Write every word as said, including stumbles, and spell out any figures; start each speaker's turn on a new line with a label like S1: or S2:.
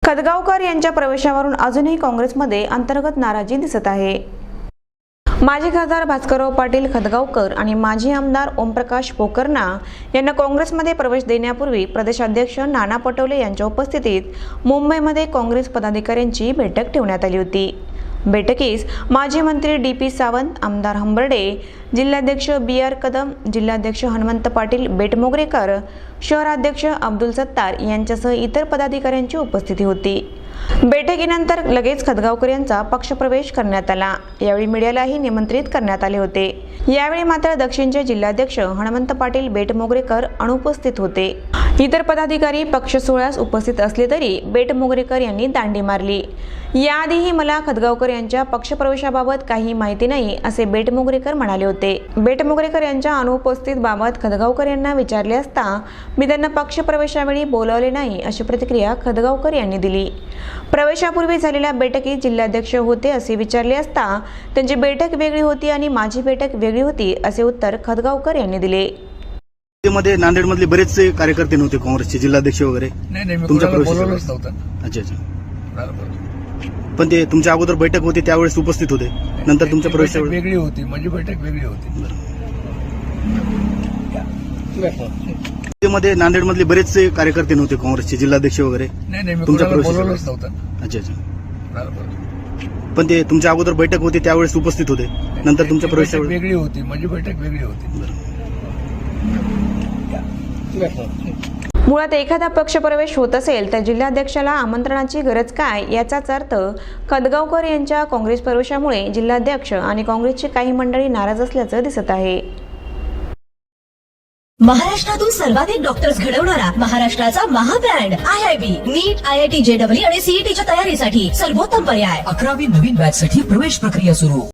S1: खदगावकर यांच्या प्रवेशावरून अजूनही काँग्रेसमध्ये अंतर्गत नाराजी दिसत आहे। माजी खासदार भास्करराव पाटील खदगावकर आणि माजी आमदार ओमप्रकाश पोकर्णा यांना काँग्रेसमध्ये प्रवेश देण्यापूर्वी प्रदेशाध्यक्ष नाना पटोले यांच्या उपस्थितीत मुंबईमध्ये काँग्रेस पदाधिकाऱ्यांची बैठक ठेवण्यात आली होती। बैठकीस माजी मंत्री डी पी सावंत, आमदार हंबर्डे, जिल्हाध्यक्ष बी आर कदम, जिल्हाध्यक्ष हनुमंत पाटील बेटमोगरेकर, शहराध्यक्ष अब्दुल सत्तार यांच्यासह इतर पदाधिकाऱ्यांची उपस्थिती होती। बैठकीनंतर लगेच खदगावकर यांचा पक्षप्रवेश करण्यात आला। यावेळी मीडियालाही निमंत्रित करण्यात आले होते। यावेळी मात्र दक्षिणचे जिल्हाध्यक्ष हनुमंत पाटील बेटमोगरेकर अनुपस्थित होते। इतर पदाधिकारी पक्ष सोहळ्यास उपस्थित असले तरी बेटमोगरेकर यांनी दांडी मारली। याआधीही मला खदगावकर यांच्या पक्षप्रवेशाबाबत काही माहिती नाही असे बेटमोगरेकर म्हणाले होते। बेटमोगरेकर यांच्या अनुपस्थित बाबत खदगावकर यांना विचारले असता मी त्यांना पक्षप्रवेशावेळी बोलावले नाही अशी प्रतिक्रिया खदगावकर यांनी दिली। प्रवेशापूर्वी झालेल्या बैठकीत जिल्हाध्यक्ष होते असे विचारले असता त्यांची बैठक वेगळी होती आणि माझी बैठक वेगळी होती असे उत्तर खदगावकर यांनी दिले।
S2: मध्ये नांदेड मधले बरेचसे कार्यकर्ते नव्हते काँग्रेसचे, जिल्हाध्यक्ष वगैरे?
S3: नाही नाही, मी
S2: तुमच्या
S3: कोणाला
S2: प्रवेशाच्या
S3: बोलवलंच
S2: वेळेस?
S3: नव्हतं।
S2: अच्छा अच्छा,
S3: बरोबर।
S2: पण ते तुमच्या अगोदर बैठक होती त्यावेळेस उपस्थित होते, नंतर तुमच्या
S3: बैठक
S2: प्रवेशावेळी?
S3: वेगळी होती, माझी बैठक वेगळी होती।
S2: मध्ये नांदेड मधले बरेचसे कार्यकर्ते नव्हते काँग्रेसचे, जिल्हाध्यक्ष वगैरे?
S3: नाही नाही, मी
S2: तुमच्या
S3: कोणाला
S2: प्रवेशाच्या
S3: बोलवलंच
S2: वेळेस?
S3: नव्हतं।
S2: अच्छा अच्छा,
S3: बरोबर।
S2: पण ते तुमच्या अगोदर बैठक होती त्यावेळेस उपस्थित होते, नंतर तुमच्या
S3: बैठक
S2: प्रवेशावेळी?
S3: वेगळी होती, माझी बैठक वेगळी होती।
S1: मुळात एखादा पक्षप्रवेश होत असेल तर जिल्हाध्यक्षाला आमंत्रणाची गरज काय याचाच अर्थ खदगावकर यांच्या काँग्रेस प्रवेशामुळे जिल्हाध्यक्ष आणि काँग्रेसची काही मंडळी नाराज असल्याचं दिसत आहे।
S4: महाराष्ट्रातून सर्वाधिक डॉक्टर्स घडवणारा महाराष्ट्राचा महाब्रँड I I B, NEET, I I T J W आणि सीईटीच्या तयारीसाठी सर्वोत्तम पर्याय।
S5: अकरावी नवीन बॅच साठी प्रवेश प्रक्रिया सुरू।